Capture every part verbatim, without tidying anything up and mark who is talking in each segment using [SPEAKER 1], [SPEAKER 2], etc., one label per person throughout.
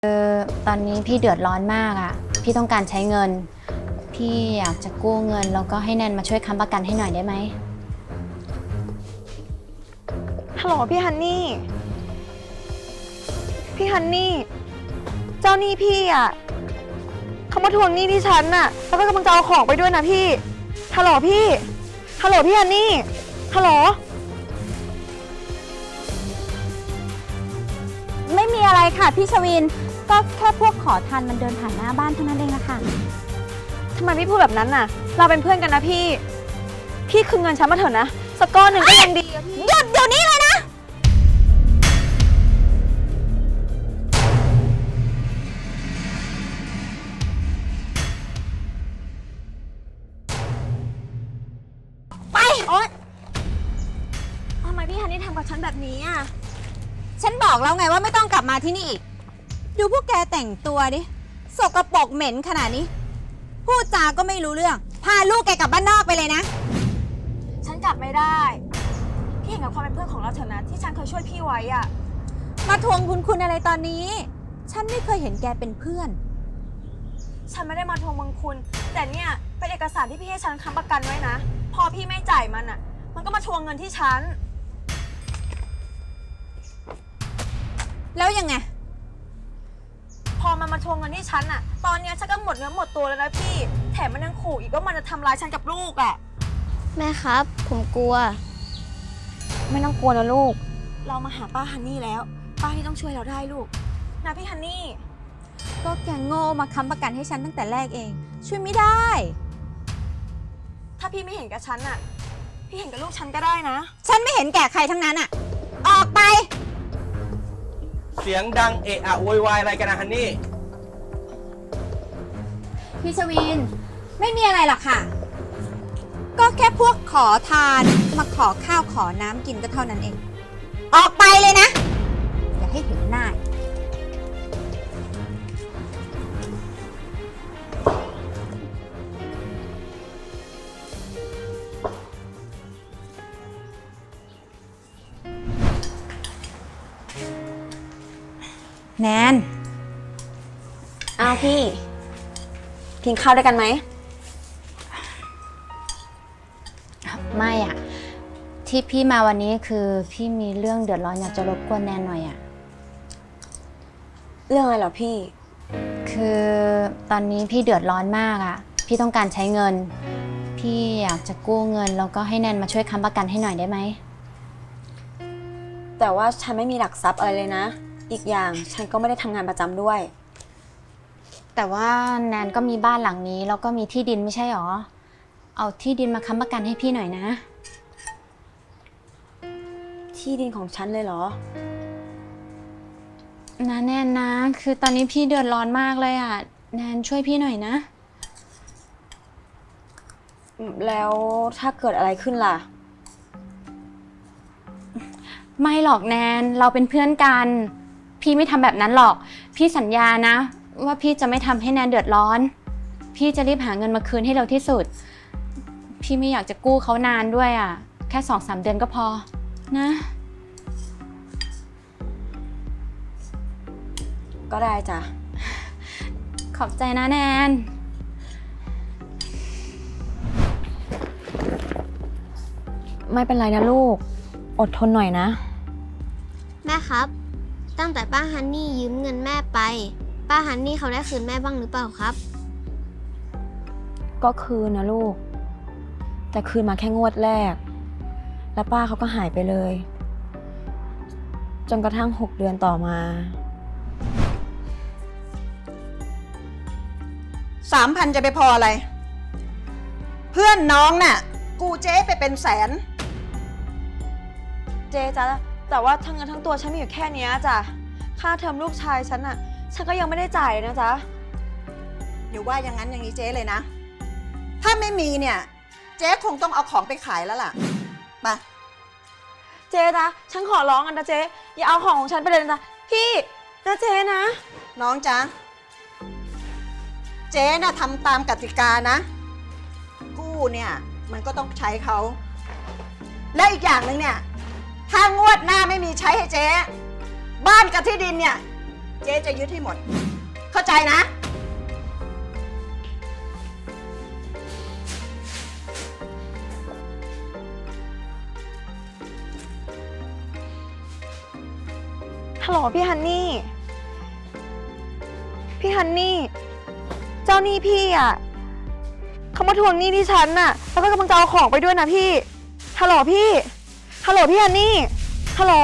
[SPEAKER 1] คือตอนนี้พี่เดือดร้อนมากอ่ะพี่ต้องการใช้เงินพี่อยากจะกู้เงินแล้วก็ให้แนนมาช่วยค้ำประกันให้หน่อยได้ไหม
[SPEAKER 2] ฮัลโหลพี่ฮันนี่ พี่ฮันนี่ เจ้าหนี้พี่อ่ะเขามาทวงหนี้ที่ฉันน่ะแล้วก็กำลังจะเอาของไปด้วยนะพี่ ฮัลโหลพี่ ฮัลโหลพี่ฮันนี่ ฮัลโหล
[SPEAKER 1] ไม่มีอะไรค่ะพี่ชวินก็แค่พวกขอทานมันเดินผ่านหน้าบ้านเท่านั้นเองนะคะ
[SPEAKER 2] ทำไมพี่พูดแบบนั้นน่ะ เราเป็นเพื่อนกันนะพี่ พี่คืนเงินฉันมาเถอะนะสักก้อนหนึ่งก็ยังดีอะพี่
[SPEAKER 1] หยุดเดี๋ยวนี้เลยนะไปโอ๊ย
[SPEAKER 2] ทำไมพี่ฮันนี่ทำกับฉันแบบนี้อ่ะ
[SPEAKER 1] ฉันบอกแล้วไงว่าไม่ต้องกลับมาที่นี่อีกดูพวกแกแต่งตัวดิสกปรกเหม็นขนาดนี้พูดจาก็ไม่รู้เรื่องพาลูกแกกลับบ้านนอกไปเลยนะ
[SPEAKER 2] ฉันกลับไม่ได้ พี่เห็นกับความเป็นเพื่อนของเราเถอะนะที่ฉันเคยช่วยพี่ไว้อ่ะ
[SPEAKER 1] มาทวงคุณคุณอะไรตอนนี้ ฉันไม่เคยเห็นแกเป็นเพื่อน
[SPEAKER 2] ฉันไม่ได้มาทวงบุญคุณ แต่เนี่ยเป็นเอกสารที่พี่ให้ฉันค้ำประกันไว้นะ พอพี่ไม่จ่ายมันอ่ะ มันก็มาทวงเงินที่ฉัน
[SPEAKER 1] แล้วยังไง
[SPEAKER 2] พอมันมาทวงเงินที่ฉันอ่ะ ตอนเนี้ยฉันก็หมดเนื้อหมดตัวแล้วนะพี่ แถมมันยังขู่อีกว่ามันจะทำร้ายฉันกับลูกอ่ะ
[SPEAKER 3] แม่ครับ ผมกลัว
[SPEAKER 2] ไม่ต้องกลัวนะลูก เรามาหาป้าฮันนี่แล้ว ป้าที่ต้องช่วยเราได้ลูกนะพี่ฮันนี่
[SPEAKER 1] ก็แกโง่มาค้ำประกันให้ฉันตั้งแต่แรกเอง ช่วยไม่ได้
[SPEAKER 2] ถ้าพี่ไม่เห็นกับฉันอ่ะ พี่เห็นกับลูกฉันก็ได้นะ
[SPEAKER 1] ฉันไม่เห็นแก่ใครทั้งนั้นอะออกไป
[SPEAKER 4] เสียงดังเอะอะโวยวายอะไรกันนะฮันนี่
[SPEAKER 1] พี่ชวิน ไม่มีอะไรหรอกค่ะ ก็แค่พวกขอทานมาขอข้าวขอน้ำกินก็เท่านั้นเอง ออกไปเลยนะ อย่าให้เห็นหน้า แนน
[SPEAKER 2] อ้าวพี่ กินข้าวด้วยกันไหม
[SPEAKER 1] ไม่อะที่พี่มาวันนี้คือพี่มีเรื่องเดือดร้อนอยากจะรบกวนแนนหน่อยอะ
[SPEAKER 2] เรื่องอะไรเหรอพี่
[SPEAKER 1] คือตอนนี้พี่เดือดร้อนมากอะพี่ต้องการใช้เงิน พี่อยากจะกู้เงินแล้วก็ให้แนนมาช่วยค้ำประกันให้หน่อยได้ไหม
[SPEAKER 2] แต่ว่าฉันไม่มีหลักทรัพย์อะไรเลยนะ อีกอย่างฉันก็ไม่ได้ทำงานประจำด้วย
[SPEAKER 1] แต่ว่าแนนก็มีบ้านหลังนี้แล้วก็มีที่ดินไม่ใช่หรอ เอาที่ดินมาค้ำประกันให้พี่หน่อยนะ
[SPEAKER 2] ที่ดินของฉันเลยเหรอ
[SPEAKER 1] นะแนนนะ คือตอนนี้พี่เดือดร้อนมากเลยอะแนนช่วยพี่หน่อยนะ
[SPEAKER 2] แล้วถ้าเกิดอะไรขึ้นล่ะ
[SPEAKER 1] ไม่หรอกแนนเราเป็นเพื่อนกัน พี่ไม่ทำแบบนั้นหรอก พี่สัญญานะ ว่าพี่จะไม่ทำให้แนนเดือดร้อน พี่จะรีบหาเงินมาคืนให้เร็วที่สุด พี่ไม่อยากจะกู้เขานานด้วยอะแค่สองสามเดือนก็พอนะ
[SPEAKER 2] ก็ได้จ้ะ
[SPEAKER 1] ขอบใจนะแนน
[SPEAKER 2] ไม่เป็นไรนะลูก อดทนหน่อยนะ
[SPEAKER 3] แม่ครับ ตั้งแต่ป้าฮันนี่ยืมเงินแม่ไป ป้าฮันนี่เขาได้คืนแม่บ้างหรือเปล่าครับ
[SPEAKER 2] ก็คืนนะลูก แต่คืนมาแค่งวดแรก แล้วป้าเขาก็หายไปเลย จนกระทั่งหกเดือนต่อมา
[SPEAKER 5] สามพันจะไปพออะไร เพื่อนน้องน่ะ กูเจ๊ไปเป็นแสน
[SPEAKER 2] เจ๊จ้ะแต่ว่าทั้งเงินทั้งตัวฉันมีอยู่แค่เนี้ยจ้ะ ค่าเทอมลูกชายฉันอะฉันก็ยังไม่ได้จ่ายเลยนะจ๊ะ
[SPEAKER 5] เดี๋ยวว่าอย่างนั้นอย่างนี้เจ๊เลยนะ ถ้าไม่มีเนี่ย เจ๊คงต้องเอาของไปขายแล้วล่ะมา
[SPEAKER 2] เจ๊นะฉันขอร้องกันนะเจ๊อย่าเอาของของฉันไปเลยนะพี่นะเจ๊นะ
[SPEAKER 5] น้องจ๊ะ เจ๊น่ะทำตามกติกานะ กู้เนี่ยมันก็ต้องใช้เขา และอีกอย่างหนึ่งเนี่ย ถ้างวดหน้าไม่มีใช้ให้เจ๊ บ้านกับที่ดินเนี่ยเจ๊จะยึดให้หมด เข้าใจนะ
[SPEAKER 2] ฮัลโหลพี่ฮันนี่ พี่ฮันนี่ เจ้าหนี้พี่อ่ะเขามาทวงหนี้ที่ฉันน่ะ แล้วก็กำลังจะเอาของไปด้วยนะพี่ ฮัลโหลพี่ ฮัลโหลพี่ฮันนี่ ฮัลโหล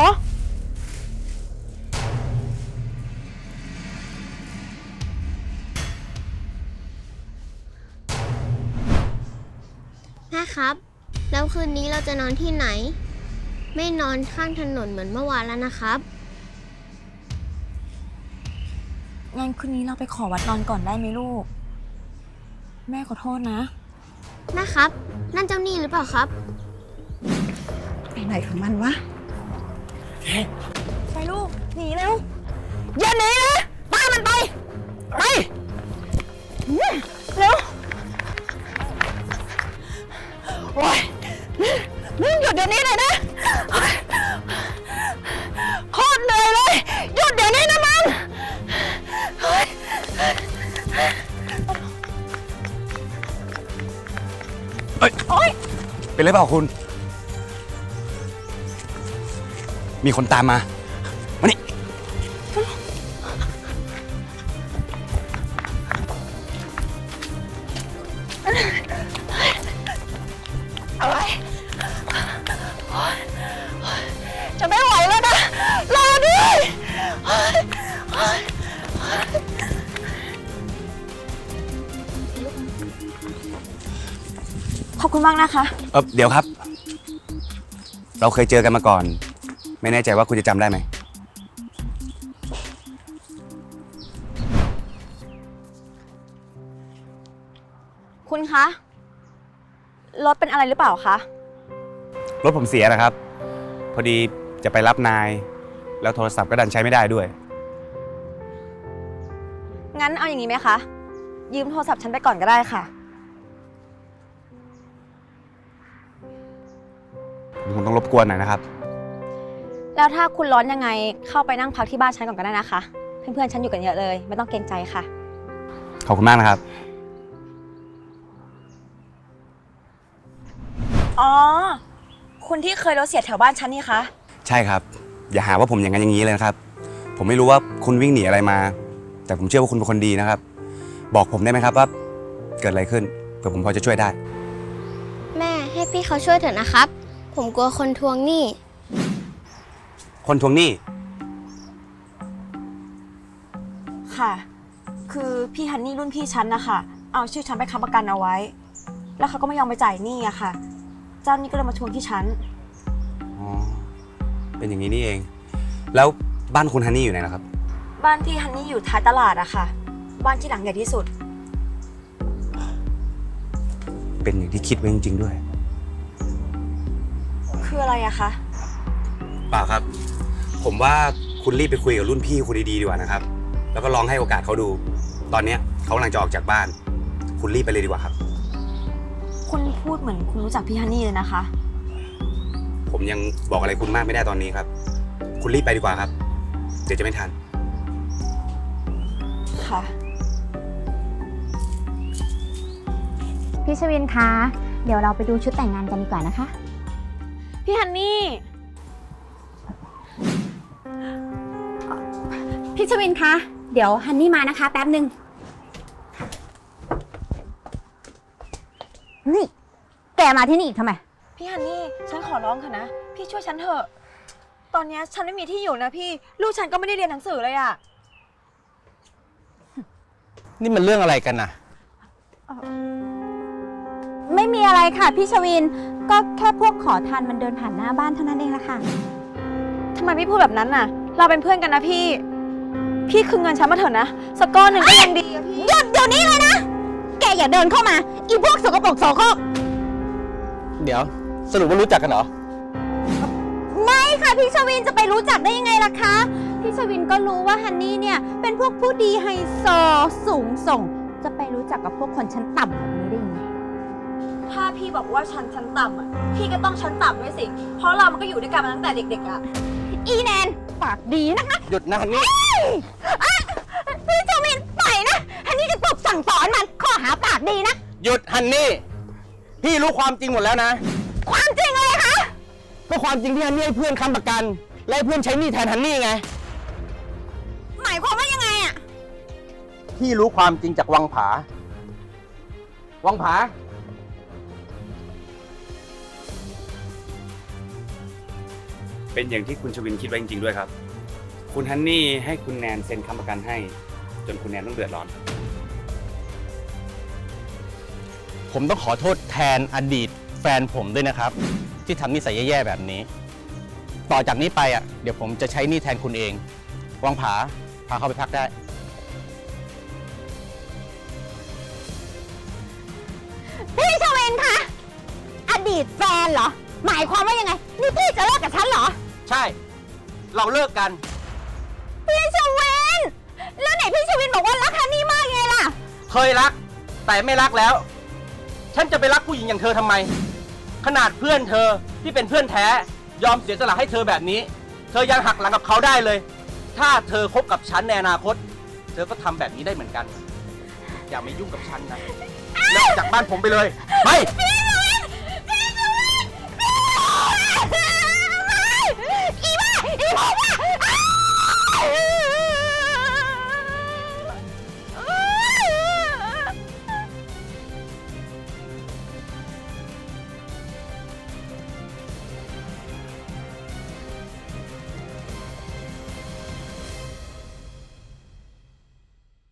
[SPEAKER 3] แม่ครับ แล้วคืนนี้เราจะนอนที่ไหน ไม่นอนข้างถนนเหมือนเมื่อวานแล้วนะครับ
[SPEAKER 2] งั้นคืนนี้เราไปขอวัดนอนก่อนได้ไหมลูก แม่ขอโทษนะ
[SPEAKER 3] แม่ครับ นั่นเจ้าหนี้หรือเปล่าครับ
[SPEAKER 5] ไปไหนของมันวะ
[SPEAKER 2] ไปลูก หนีเร็ว อย่าหนีนะตามมันไป ไปเร็ว โอ้ยมึงหยุดเดี๋ยวนี้เลยนะโอ๊ยโคตรเหนื่อยเลย หยุดเดี๋ยวนี้นะมึงโอ๊ย
[SPEAKER 6] เอ้ย
[SPEAKER 2] โอ๊ย
[SPEAKER 6] เป็นไรเปล่าคุณ มีคนตามมา มานี่
[SPEAKER 2] อะไรโอ๊ยจะไม่ไหวแล้วนะ รอด้วยโอ๊ยโอ๊ยโอ๊ย ขอบคุณมากนะคะ
[SPEAKER 6] เออเดี๋ยวครับ เราเคยเจอกันมาก่อน ไม่แน่ใจว่าคุณจะจำได้ไหม
[SPEAKER 2] คุณคะ รถเป็นอะไรหรือเปล่าคะ
[SPEAKER 6] รถผมเสียนะครับ พอดีจะไปรับนาย แล้วโทรศัพท์ก็ดันใช้ไม่ได้ด้วย
[SPEAKER 2] งั้นเอาอย่างนี้ไหมคะ ยืมโทรศัพท์ฉันไปก่อนก็ได้ค่ะ
[SPEAKER 6] ผมคงต้องรบกวนหน่อยนะครับ
[SPEAKER 2] แล้วถ้าคุณร้อนยังไงเข้าไปนั่งพักที่บ้านฉันก่อนก็ได้นะคะ เพื่อนๆฉันอยู่กันเยอะเลย ไม่ต้องเกรงใจค่ะ
[SPEAKER 6] ขอบคุณมากนะครับ
[SPEAKER 2] อ๋อ คุณที่เคยรถเสียแถวบ้านฉันนี่คะ
[SPEAKER 6] ใช่ครับ อย่าหาว่าผมอย่างนั้นอย่างนี้เลยนะครับ ผมไม่รู้ว่าคุณวิ่งหนีอะไรมา แต่ผมเชื่อว่าคุณเป็นคนดีนะครับ บอกผมได้ไหมครับว่าเกิดอะไรขึ้นเผื่อผมพอจะช่วยได้
[SPEAKER 3] แม่ให้พี่เขาช่วยเถอะนะครับ ผมกลัวคนทวงหนี้
[SPEAKER 6] คนทวงหนี้
[SPEAKER 2] ค่ะ คือพี่ฮันนี่รุ่นพี่ฉันนะคะ เอาชื่อฉันไปค้ำประกันเอาไว้ แล้วเขาก็ไม่ยอมไปจ่ายหนี้อะค่ะ เจ้าหนี้ก็เลยมาทวงที่ฉัน
[SPEAKER 6] อ๋อ เป็นอย่างนี้นี่เอง แล้วบ้านคุณฮันนี่อยู่ไหนนะครับ
[SPEAKER 2] บ้านพี่ฮันนี่อยู่ท้ายตลาดอะค่ะ บ้านที่หลังใหญ่ที่สุด
[SPEAKER 6] เป็นอย่างที่คิดไว้จริงๆด้วย
[SPEAKER 2] คืออะไรอะคะ
[SPEAKER 6] เปล่าครับ ผมว่าคุณรีบไปคุยกับรุ่นพี่คุณดีๆดีกว่านะครับ แล้วก็ลองให้โอกาสเขาดู ตอนเนี้ยเขากำลังจะออกจากบ้าน คุณรีบไปเลยดีกว่าครับ
[SPEAKER 2] คุณพูดเหมือนคุณรู้จักพี่ฮันนี่เลยนะคะ
[SPEAKER 6] ผมยังบอกอะไรคุณมากไม่ได้ตอนนี้ครับ คุณรีบไปดีกว่าครับ เดี๋ยวจะไม่ทัน
[SPEAKER 2] ค่ะ
[SPEAKER 1] พี่ชวินคะ เดี๋ยวเราไปดูชุดแต่งงานกันดีกว่านะคะ
[SPEAKER 2] พี่ฮันนี่
[SPEAKER 1] พี่ชวินคะ เดี๋ยวฮันนี่มานะคะ แป๊บหนึ่งนี่ แกมาที่นี่อีกทำไม
[SPEAKER 2] พี่ฮันนี่ ฉันขอร้องค่ะนะ พี่ช่วยฉันเถอะ ตอนเนี้ยฉันไม่มีที่อยู่นะพี่ ลูกฉันก็ไม่ได้เรียนหนังสือเลยอะ
[SPEAKER 4] นี่มันเรื่องอะไรกันนะ
[SPEAKER 1] ไม่มีอะไรค่ะพี่ชวิน ก็แค่พวกขอทานมันเดินผ่านหน้าบ้านเท่านั้นเองละค่ะ
[SPEAKER 2] ทำไมพี่พูดแบบนั้นน่ะ เราเป็นเพื่อนกันนะพี่ พี่คืนเงินฉันมาเถอะนะ สักก้อนหนึ่งก็ยังดีอะพี่
[SPEAKER 1] หยุดเดี๋ยวนี้เลยนะ แกอย่าเดินเข้ามา อีพวกสกปรกโสโครก
[SPEAKER 4] เดี๋ยว สรุปว่ารู้จักกันเหรอ
[SPEAKER 1] ไม่ค่ะพี่ชวินจะไปรู้จักได้ยังไงล่ะคะ พี่ชวินก็รู้ว่าฮันนี่เนี่ยเป็นพวกผู้ดีไฮโซสูงส่ง จะไปรู้จักกับพวกคนชั้นต่ำแบบนี้ได้ยังไง
[SPEAKER 2] ถ้าพี่บอกว่าฉันชั้นต่ำอะพี่ก็ต้องชั้นต่ำด้วยสิ เพราะเรามันก็อยู่ด้วยกันมาตั้งแต่เด็กๆอะ
[SPEAKER 1] อีแนนปากดีนะคะ
[SPEAKER 4] หยุดนะฮันนี่
[SPEAKER 1] เอ้ย
[SPEAKER 2] พี่ชวินปล่อยนะฮันนี่จะตบสั่งสอนมันข้อหาปากดีนะ
[SPEAKER 4] หยุดฮันนี่ พี่รู้ความจริงหมดแล้วนะ
[SPEAKER 2] ความจริงเลยคะ
[SPEAKER 4] ก็ความจริงที่ฮันนี่ให้เพื่อนค้ำประกัน และให้เพื่อนใช้หนี้แทนฮันนี่ไง
[SPEAKER 2] หมายความว่ายังไงอะ
[SPEAKER 4] พี่รู้ความจริงจากวังผา วังผา
[SPEAKER 6] เป็นอย่างที่คุณชวินคิดไว้จริงๆด้วยครับ คุณฮันนี่ให้คุณแนนเซ็นค้ำประกันให้ จนคุณแนนต้องเดือดร้อน
[SPEAKER 4] ผมต้องขอโทษแทนอดีตแฟนผมด้วยนะครับ ที่ทำนิสัยแย่ๆแบบนี้ ต่อจากนี้ไปอ่ะเดี๋ยวผมจะใช้หนี้แทนคุณเอง วังผา พาเข้าไปพักได้
[SPEAKER 2] พี่ชวินคะอดีตแฟนเหรอ หมายความว่ายังไง นี่พี่จะเลิกกับฉันเหรอ
[SPEAKER 4] ใช่ เราเลิกกัน
[SPEAKER 2] พี่ชวิน แล้วไหนพี่ชวินบอกว่ารักฮันนี่มากไงล่ะ
[SPEAKER 4] เคยรัก แต่ไม่รักแล้ว ฉันจะไปรักผู้หญิงอย่างเธอทำไม ขนาดเพื่อนเธอที่เป็นเพื่อนแท้ ยอมเสียสละให้เธอแบบนี้ เธอยังหักหลังกับเขาได้เลย ถ้าเธอคบกับฉันในอนาคต เธอก็ทำแบบนี้ได้เหมือนกัน อย่ามายุ่งกับฉันนะเลิกจากบ้านผมไปเลย ไป
[SPEAKER 2] พี่